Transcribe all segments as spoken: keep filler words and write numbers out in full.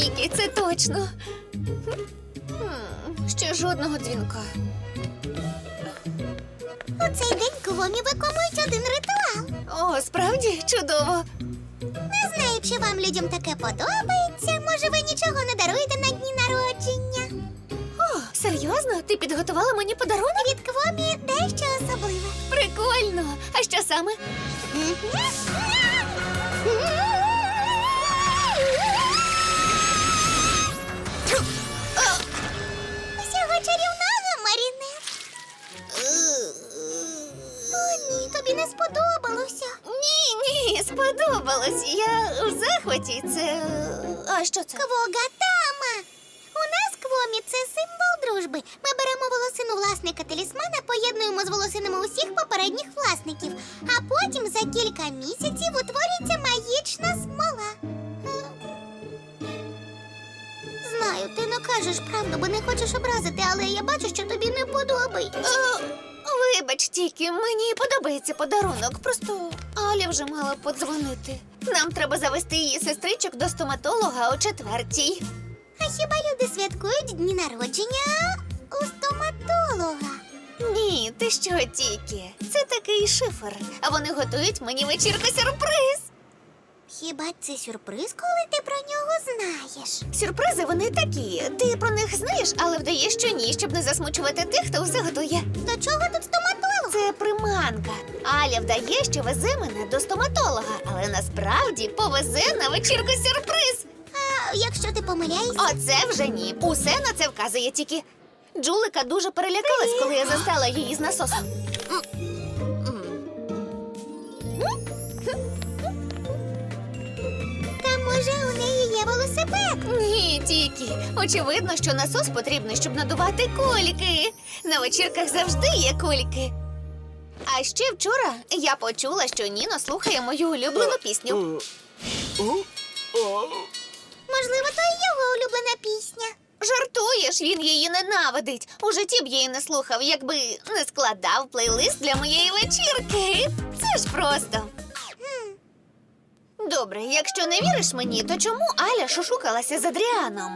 Тільки це точно. Хм, Ще жодного дзвінка. У цей день Квомі виконують один ритуал. О, справді чудово. Не знаю, чи вам людям таке подобається. Може, ви нічого не даруєте на дні народження? О, серйозно? Ти підготувала мені подарунок? Від Квомі дещо особливе. Прикольно. А що саме? Усього чарівного, Маріне. О, ні, тобі не сподобалося. Ні, ні, сподобалось. Я в захваті. Це. А що це? Квогатама. У нас Квомі це символ дружби. Ми беремо волосину власника талісмана, поєднуємо з волосинами усіх попередніх власників, а потім за кілька місяців утворюється магічна смола. Знаю, ти не кажеш правду, бо не хочеш образити, але я бачу, що тобі не подобається. О, вибач, тільки мені подобається подарунок. Просто Аля вже мала подзвонити. Нам треба завести її сестричок до стоматолога о четвертій. А хіба люди святкують дні народження у стоматолога? Ні, ти що тільки? Це такий шифр, а вони готують мені вечірку-сюрприз. Хіба це сюрприз, коли ти про нього знаєш? Сюрпризи вони такі. Ти про них знаєш, але вдаєш, що ні, щоб не засмучувати тих, хто усе готує. До чого тут стоматолог? Це приманка. Аля вдає, що везе мене до стоматолога, але насправді повезе на вечірку-сюрприз. А якщо ти помиляєшся? Оце вже ні. Усе на це вказує тільки. Джулика дуже перелякалась, коли я застала її з насосом. Та може у неї є велосипед? Ні, тільки. Очевидно, що насос потрібний, щоб надувати кульки. На вечірках завжди є кульки. А ще вчора я почула, що Ніно слухає мою улюблену пісню. Можливо, то і його улюблена пісня. Жартуєш, він її ненавидить. У житті б її не слухав, якби не складав плейлист для моєї вечірки. Це ж просто. Добре, якщо не віриш мені, то чому Аля шушукалася з Адріаном?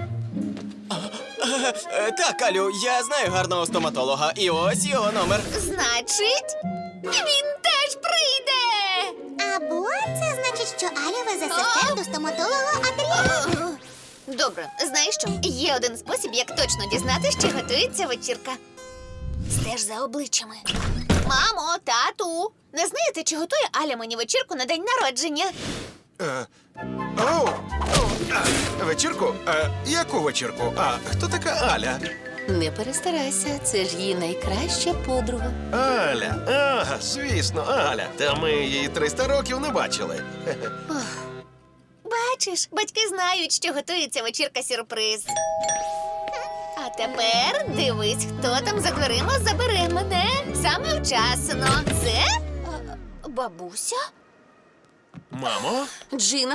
Е, Так, Алю, я знаю гарного стоматолога. І ось його номер. Значить, він теж прийде! Або це значить, що Аля везе сестер до стоматолога Адріана. Добре, знаєш що? Є один спосіб, як точно дізнатися, чи готується вечірка. Стеж за обличчями. Мамо, тату, не знаєте, чи готує Аля мені вечірку на день народження? Е, Оу! А, вечірку? Е, Яку вечірку? А хто така Аля? Не перестарайся, це ж її найкраща подруга. Аля, ага, звісно, Аля. Та ми її триста років не бачили. Хе-хе. Бачиш, батьки знають, що готується вечірка-сюрприз. А тепер дивись, хто там за дверима забере мене саме вчасно. Це е, бабуся? Мамо? Джина?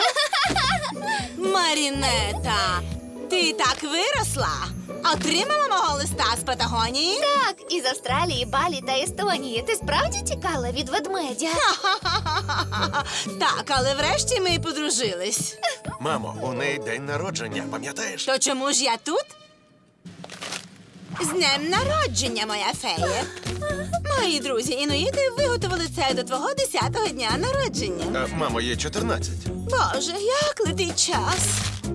Марінета, ти так виросла? Отримала мого листа з Патагонії? Так, із Австралії, Балі та Естонії. Ти справді тікала від ведмедя? Так, але врешті ми подружились. Мамо, у неї день народження, пам'ятаєш? То чому ж я тут? З днем народження, моя фея. Мої друзі інуїти виготовили це до твого десятого дня народження. Е, Мамо, їй чотирнадцять. Боже, як летить час.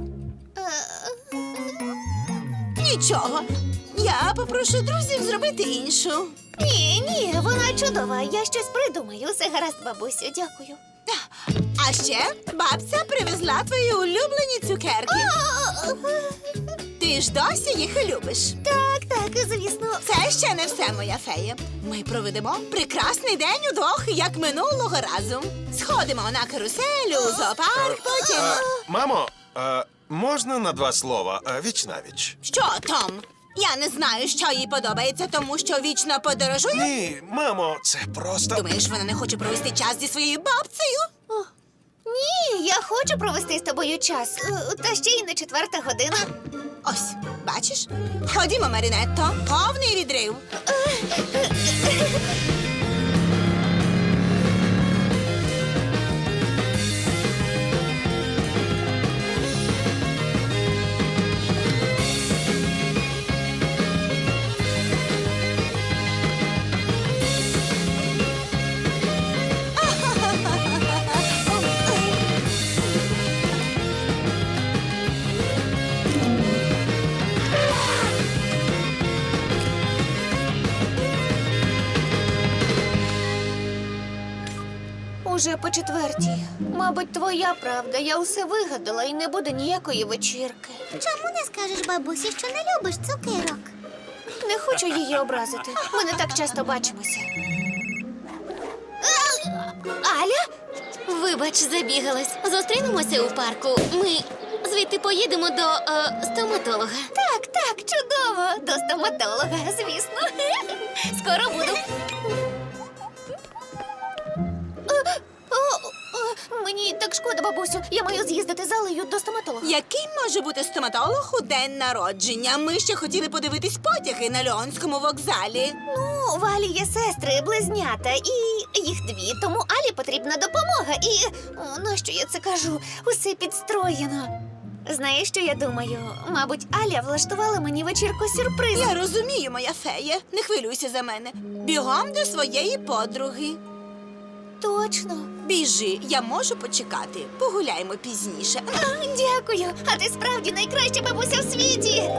Нічого. Я попрошу друзів зробити іншу. Ні, ні, вона чудова. Я щось придумаю. Все гаразд, бабусю, дякую. А ще бабця привезла твої улюблені цукерки. Ти ж досі їх любиш. Так, так, звісно. Це ще не все, моя фея. Ми проведемо прекрасний день удвох, як минулого разу. Сходимо на каруселю, у зоопарк, потім... Е, Мамо, е, можна на два слова? Е, Віч-навіч. Що, Том? Я не знаю, що їй подобається, тому що вічно подорожує. Ні, мамо, це просто... Думаєш, вона не хоче провести час зі своєю бабцею? Ні, я хочу провести з тобою час. Е, Та ще й не четверта година. Ось, бачиш? Ходімо, Марінетто, повний відрив. Уже по четвертій. Мабуть, твоя правда. Я усе вигадала і не буде ніякої вечірки. Чому не скажеш бабусі, що не любиш цукерок? Не хочу її образити. Ми не так часто бачимося. Аля? Вибач, забігалась. Зустрінемося у парку. Ми звідти поїдемо до е, стоматолога. Так, так, чудово. До стоматолога, звісно. Скоро буду. Е, о, о, Мені так шкода, бабусю. Я маю з'їздити з Алею до стоматолога. Який може бути стоматолог у день народження? Ми ще хотіли подивитись потяги на Леонському вокзалі. Ну, в Алі є сестри, близнята, і їх дві, тому Алі потрібна допомога. І о, нащо я це кажу? Усе підстроєно. Знаєш, що я думаю? Мабуть, Аля влаштувала мені вечірку сюрприз. Я розумію, моя фея. Не хвилюйся за мене. Бігом до своєї подруги. Точно. Біжи, я можу почекати. Погуляємо пізніше. А, дякую. А ти справді найкраща бабуся в світі.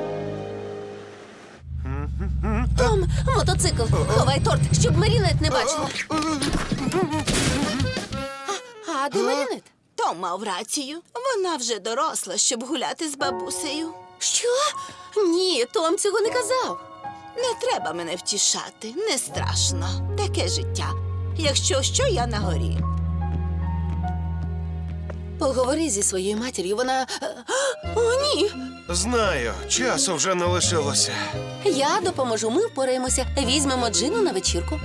Том, мотоцикл. Ховай торт, щоб Марінет не бачила. А, а де Марінет? Том мав рацію. Вона вже доросла, щоб гуляти з бабусею. Що? Ні, Том цього не казав. Не треба мене втішати, не страшно. Таке життя. Якщо що, я на горі. Поговори зі своєю матір'ю, вона. О, ні! Знаю, часу вже не лишилося. Я допоможу, ми впораємося. Візьмемо Джину на вечірку.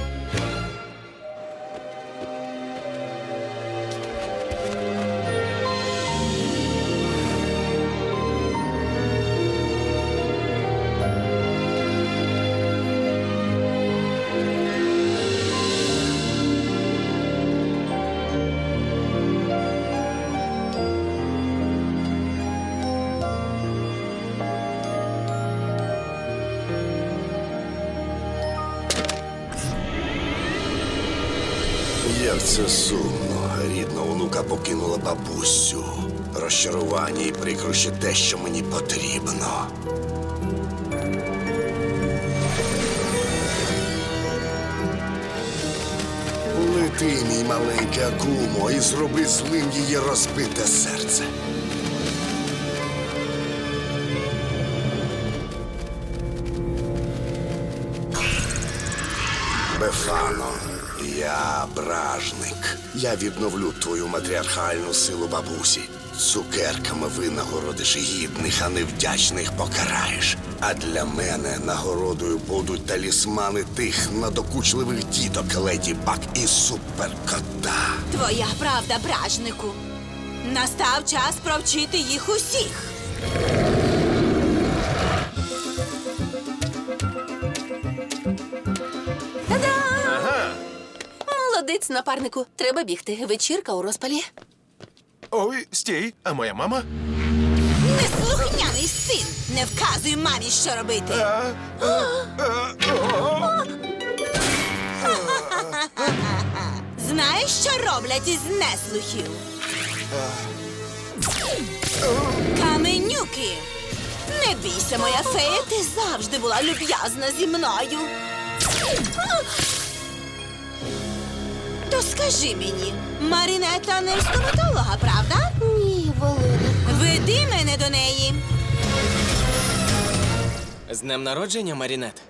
Як це сумно. Рідна онука покинула бабусю. Розчарування і прикрощі те, що мені потрібно. Лети, мій маленький Акумо, і зроби злим її розбите серце. Бефано, я бражник. Я відновлю твою матріархальну силу бабусі. Цукерками винагородиш гідних, а невдячних покараєш. А для мене нагородою будуть талісмани тих надокучливих діток Леді Баг і Суперкота. Твоя правда, бражнику. Настав час провчити їх усіх. Молодець, напарнику. Треба бігти. Вечірка у розпалі. Ой, стій, а моя мама? Неслухняний син! Не вказуй мамі, що робити. А, а, а, о. Знаєш, що роблять із неслухів? Каменюки! Не бійся, моя фея, ти завжди була люб'язна зі мною. То скажи мені, Марінета не стоматолога, правда? Ні, Володя. Веди мене до неї. З днем народження, Марінет.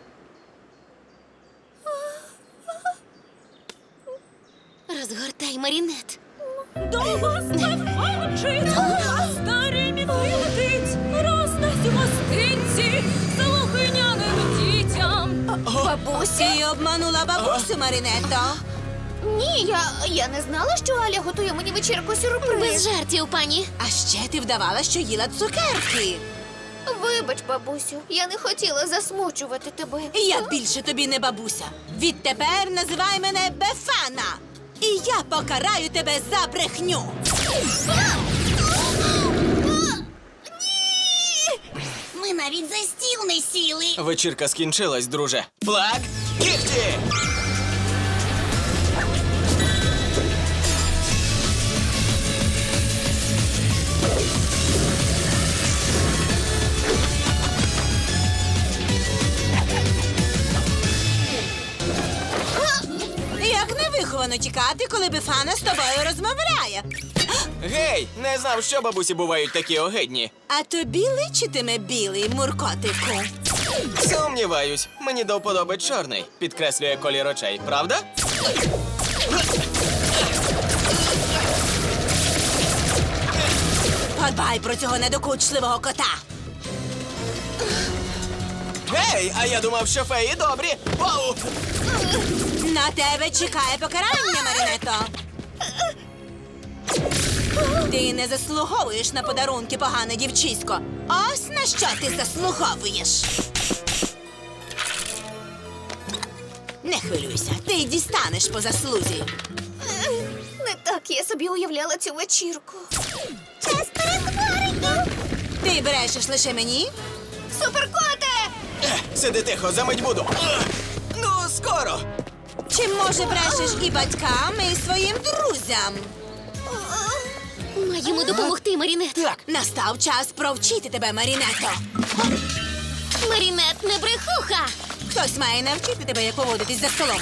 Розгортай, Марінет. До вас виходить, старий мітли летить, роздасть гостинці слухняним дітям. Бабусі. Ти обманула бабусю, Марінетто. Ні, я, я не знала, що Аля готує мені вечірку сюрприз. Без жартів, пані. А ще ти вдавала, що їла цукерки. Вибач, бабусю, я не хотіла засмучувати тебе. Я більше тобі не бабуся. Відтепер називай мене Бефана. І я покараю тебе за брехню. Ми навіть за стіл не сіли. Вечірка скінчилась, друже. Плак, кіхті! Я Так невиховано тікати, коли Бефана з тобою розмовляє. Гей, не знав, що бабусі бувають такі огидні. А тобі личитиме білий, Муркотику. Сумніваюсь, мені до вподоби чорний. Підкреслює колір очей, правда? Подбай про цього недокучливого кота. Гей, а я думав, що феї добрі. Оу! На тебе чекає покарання, Марінето. Ти не заслуговуєш на подарунки, погане дівчисько. Ось на що ти заслуговуєш. Не хвилюйся, ти й дістанеш по заслузі. Не так я собі уявляла цю вечірку. Час перетворення. Ти брешеш лише мені? Суперкоте! Сиди тихо, замить буду. Ех, Ну, скоро. Чи, може, брешеш і батькам, і своїм друзям? Маємо допомогти, Марінет. Так. Настав час провчити тебе, Марінето. Марінет не брехуха. Хтось має навчити тебе, як поводитись за столом.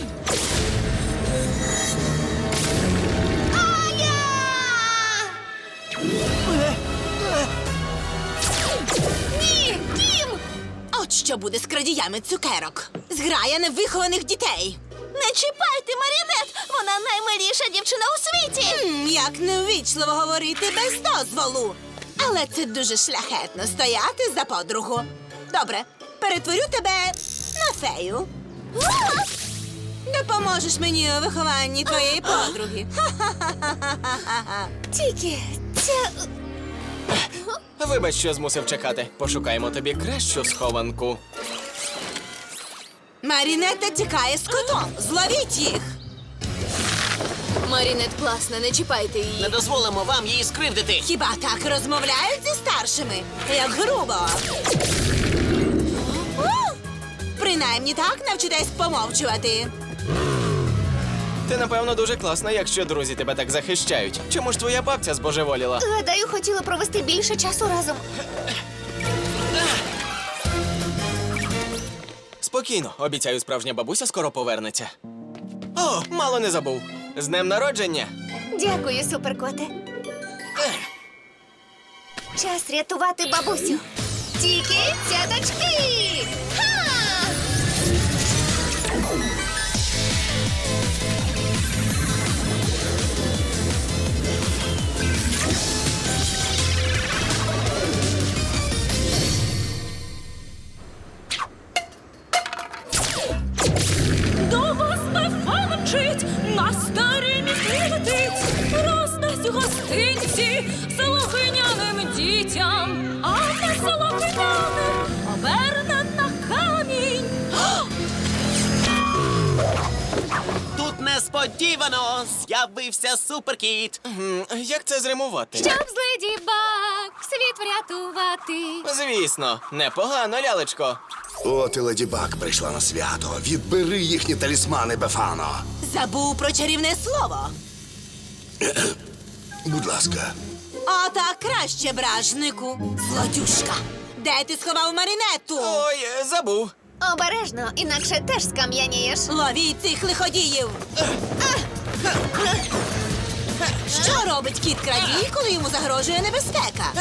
Ні, Кім! От що буде з крадіями цукерок. Зграя невихованих дітей. Не чіпайте, Марінет! Вона наймиліша дівчина у світі! М, Як неввічливо говорити без дозволу. Але це дуже шляхетно стояти за подругу. Добре, перетворю тебе на фею. Допоможеш мені у вихованні твоєї подруги. Ха-ха-ха-ха-ха-ха. Тільки ця... Вибач, що змусив чекати. Пошукаємо тобі кращу схованку. Марінетта тікає з котом. Зловіть їх. Марінет класна, не чіпайте її. Не дозволимо вам її скривдити. Хіба так розмовляють зі старшими? Як грубо. У! Принаймні так навчитесь помовчувати. Ти, напевно, дуже класна, якщо друзі тебе так захищають. Чому ж твоя бабця збожеволіла? Гадаю, хотіла провести більше часу разом. Спокійно, обіцяю, справжня бабуся скоро повернеться. О, мало не забув. З днем народження! Дякую, суперкоте. Час рятувати бабусю. Тільки цяточки! Ха! До вас Бефана мчить, на старій мітлі летить, роздасть гостинці солохиняним дітям, а те солохиняне оберне на камінь. Тут несподівано з'явився суперкіт. М, Як це зримувати? Щоб з леді Баг світ врятувати. Звісно, непогано, лялечко. От і леді Баг прийшла на свято. Відбери їхні талісмани, Бефано. Забув про чарівне слово. Будь ласка. Отак краще, бражнику. Злодюшка. Де ти сховав Марінетту? Ой, е, забув. Обережно, інакше теж скам'янієш. Ловіть цих лиходіїв. Що робить кіт крадій, коли йому загрожує небезпека?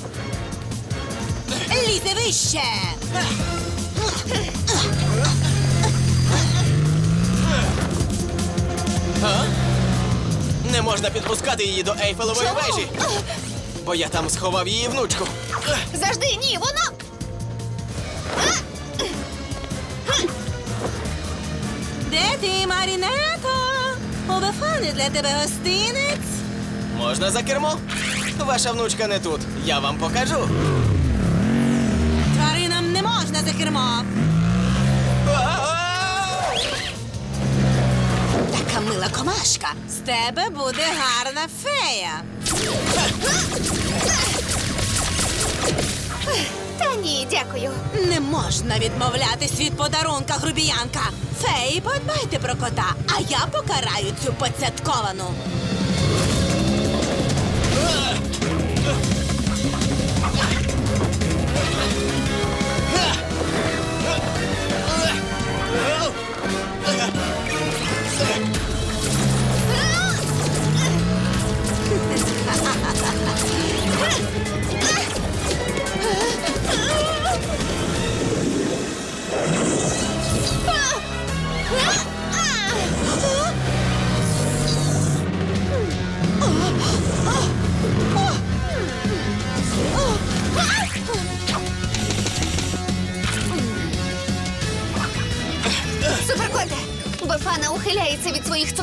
Лізе вище! А? Не можна підпускати її до Ейфелевої вежі. Бо я там сховав її внучку. Завжди, ні, вона... Де ти, Марінето? У Бефани для тебе гостинець. Можна за кермо? Ваша внучка не тут. Я вам покажу. Тваринам не можна за кермо. А-а-а! Така мила комашка. З тебе буде гарна фея. Та ні, дякую. Не можна відмовлятись від подарунка, грубіянка. Феї, подбайте про кота, а я покараю цю поцятковану. Ugh!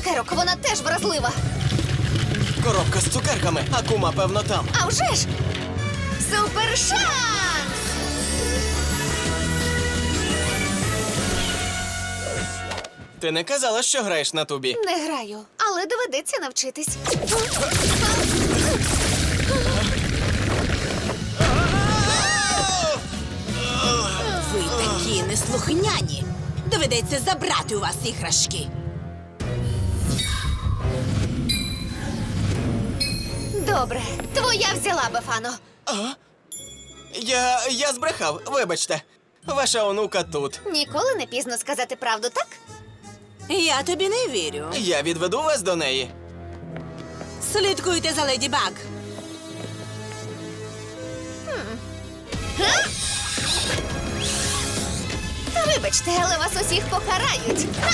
цукерок, вона теж вразлива. Коробка з цукерками, Акума, певно, там. А вже ж! Супершанс! Ти не казала, що граєш на тубі. Не граю, але доведеться навчитись. Ви такі неслухняні. Доведеться забрати у вас іграшки. Добре, твоя взяла, Бефано. Я. я збрехав, вибачте. Ваша онука тут. Ніколи не пізно сказати правду, так? Я тобі не вірю. Я відведу вас до неї. Слідкуйте за Леді Баг. Вибачте, але вас усіх покарають. Ха!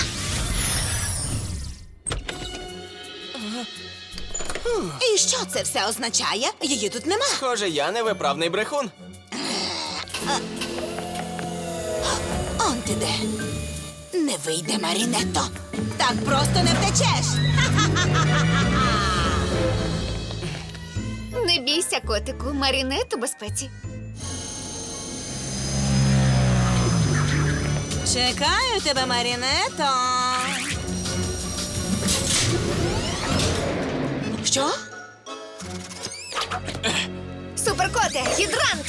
І що це все означає? Її тут нема. Схоже, я невиправний брехун. Он ти де. Не вийде, Марінетто. Так просто не втечеш. Не бійся, котику, Марінет у безпеці. Чекаю тебе, Марінетто. Що? Суперкоте, гідрант!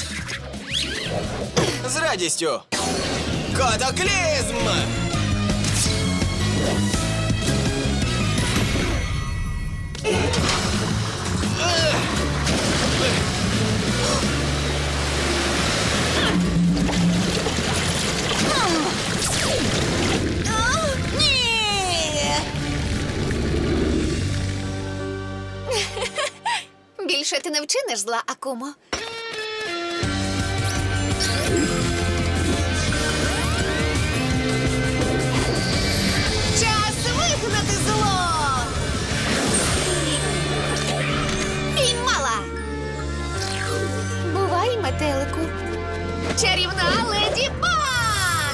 З радістю. Катаклізм! Ні! Більше ти не вчиниш зла, Акумо. Час вигнати зло! Піймала! Бувай, метелику. Чарівна леді Баг!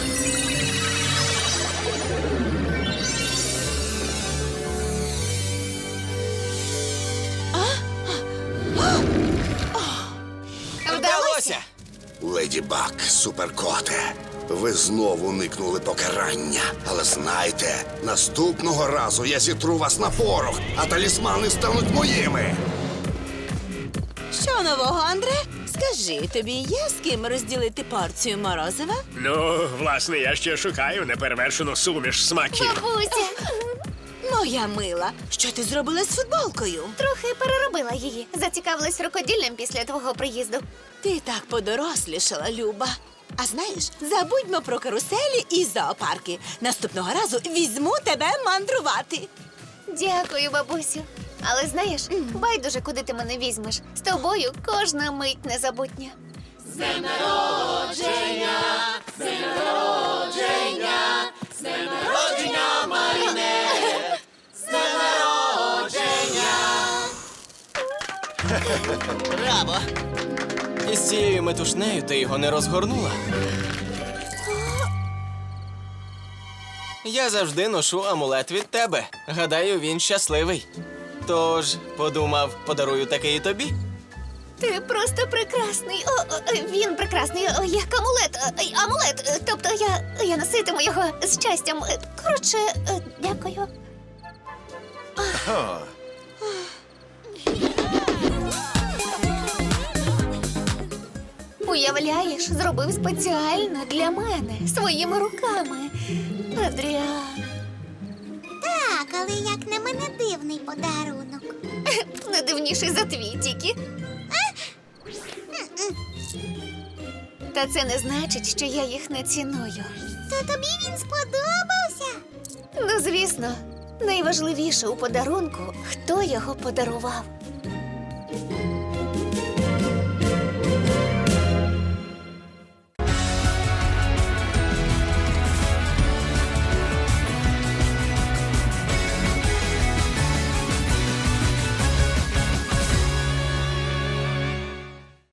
Вдалося! Леді Баг, суперкоте, ви знову уникнули покарання. Але знайте, наступного разу я зітру вас на порох, а талісмани стануть моїми. Що нового, Андре? Скажи, тобі є з ким розділити порцію морозива? Ну, власне, я ще шукаю неперевершену суміш смаків. Бабуся! Моя мила, що ти зробила з футболкою? Трохи переробила її. Зацікавилась рукоділлям після твого приїзду. Ти так подорослішала, Люба. А знаєш, забудьмо про каруселі і зоопарки. Наступного разу візьму тебе мандрувати. Дякую, бабусю. Але знаєш, байдуже, куди ти мене візьмеш. З тобою кожна мить незабутня. Браво! І з цією метушнею ти його не розгорнула. Я завжди ношу амулет від тебе. Гадаю, він щасливий. Тож, подумав, подарую такий і тобі. Ти просто прекрасний. О, о, він прекрасний, о, як амулет. О, ой, амулет. Тобто я, я носитиму його з щастям. Коротше, е, дякую. О, Уявляєш, зробив спеціально для мене, своїми руками. Адріан. Так, але як на мене дивний подарунок. Не дивніший за твій тільки. Та це не значить, що я їх не ціную. То тобі він сподобався? Ну, звісно, найважливіше у подарунку, хто його подарував.